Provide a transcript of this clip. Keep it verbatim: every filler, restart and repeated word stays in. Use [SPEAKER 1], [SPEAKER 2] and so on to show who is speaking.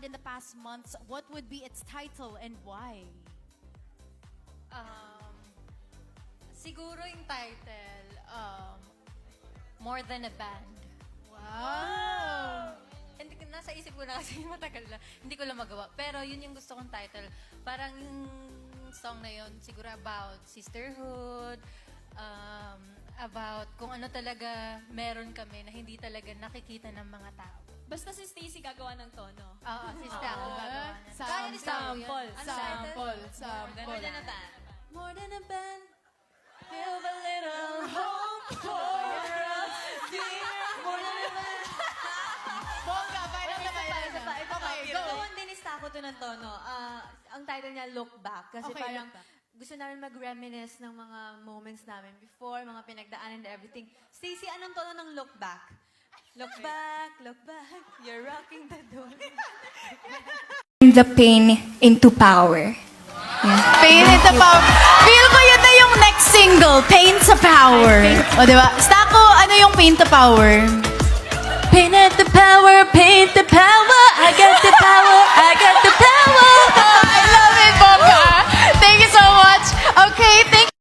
[SPEAKER 1] in the past months, what would be its title and why?
[SPEAKER 2] Um, siguro yung title, um, More Than a Band.
[SPEAKER 1] Wow!
[SPEAKER 2] Hindi, nasa isip ko na kasi matagal na. Hindi ko lang magawa. Pero yun yung gusto kong title. Parang yung song na yun, siguro about sisterhood, um, about kung ano talaga meron kami na hindi talaga nakikita ng mga tao.
[SPEAKER 3] Basta si Stacey gagawa ng tono.
[SPEAKER 2] Oo, sister ako gagawa na.
[SPEAKER 1] Sample.
[SPEAKER 2] Kaya ni Stacey yun.
[SPEAKER 3] Sample.
[SPEAKER 2] Ano
[SPEAKER 1] Sample.
[SPEAKER 2] title?
[SPEAKER 1] Sample.
[SPEAKER 2] More than a band.
[SPEAKER 3] More than a band, feel a little hope for us, dear. More than a band.
[SPEAKER 1] Bongga, final na final
[SPEAKER 3] Isa pa,
[SPEAKER 1] na.
[SPEAKER 3] ito pa.
[SPEAKER 1] Okay, go.
[SPEAKER 3] Gawin din ni Stako to ng tono. Ah, ang title niya, Look Back. Kasi
[SPEAKER 1] Okay,
[SPEAKER 3] parang
[SPEAKER 1] Look Back.
[SPEAKER 3] gusto namin mag-reminisce ng mga moments namin before, mga pinagdaanan and everything. Stacey, anong tono ng Look Back? Look back, look back, you're rocking the door.
[SPEAKER 4] The pain into power.
[SPEAKER 1] Pain into Power. Feel ko yun na yung next single, Pain to Power. O, di ba? Stako, ano yung Pain to Power?
[SPEAKER 3] Pain at the power, paint the power, I got the power,